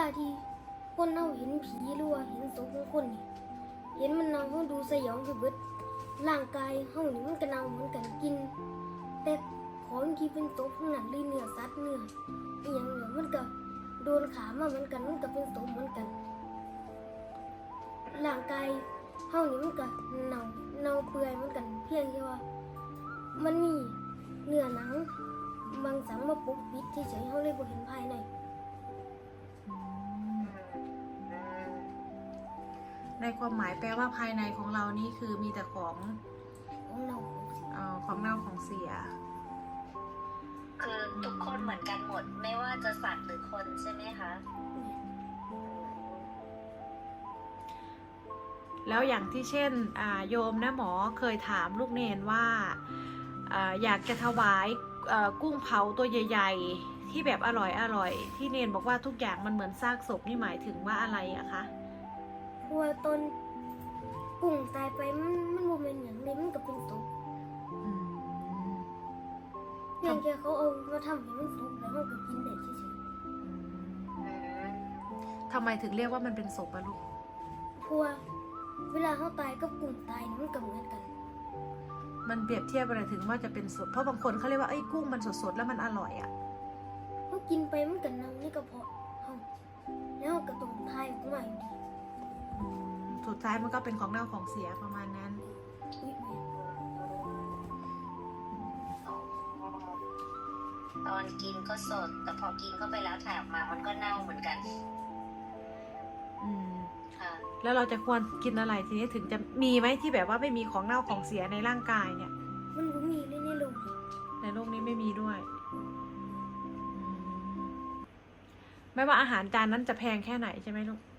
ที่คนเฮาเห็นผีหรือว่าเห็นศพของคนนี่เห็นมันเน่าเฮาดูสยองคือเบิดร่างกายเฮานี่มันก็เน่าเหมือนกันกินแต่ของที่เป็นศพทั้งนั้นเลยเนื้อสัตว์เนื้ออีหยังเนี่ยมันก็โดนขามาเหมือนกันมันก็เป็นศพเหมือนกันร่างกายเฮานี่มันก็เน่าเปื่อยเหมือนกันเพียงแค่ว่ามันมีเนื้อหนังบางสังมาปกปิดเฉยๆเฮาเลยบ่เห็นภายในในความหมายแปลว่าภายในของเรานี่คือมีแต่ของเน่าของเน่าของเสียคือทุกคนเหมือนกันหมดไม่ว่าจะสัตว์หรือคนใช่ไหมคะแล้วอย่างที่เช่นโยมนะหมอเคยถามลูกเนนว่าอยากจะถวายกุ้งเผาตัวใหญ่ๆที่แบบอร่อยที่เนนบอกว่าทุกอย่างมันเหมือนซากศพนี่หมายถึงว่าอะไรอะคะเพราะว่าตอนกุ้งตายไปมันบ่แม่นหยังเลยมันก็เป็นศพเพียงแค่เขาเอามาทำให้มันสุกแล้วเราก็กินได้เฉยทำไมถึงเรียกว่ามันเป็นศพอะลูกๆเพราะว่าเวลาเขาตายกับกุ้งตายนี่มันก็เหมือนกันมันเปรียบเทียบอะไรถึงว่าจะเป็นศพเพราะบางคนเขาเรียกว่าไอ้กุ้งมันสดๆแล้วมันอร่อยอะเขากินไปมันก็เน่าในกระเพาะเขาแล้วก็ต้องทายออกมาอยู่ดีสุดท้ายมันก็เป็นของเน่าของเสียประมาณนั้นตอนกินก็สดแต่พอกินเข้าไปแล้วถ่ายออกมามันก็เน่าเหมือนกันค่ะแล้วเราจะควรกินอะไรทีนี้ถึงจะมีไหมที่แบบว่าไม่มีของเน่าของเสียในร่างกายเนี่ยมันบ่มีเลยในโลกนี้ไม่มีด้วยไม่ว่าอาหารจานนั้นจะแพงแค่ไหนใช่ไหมลูก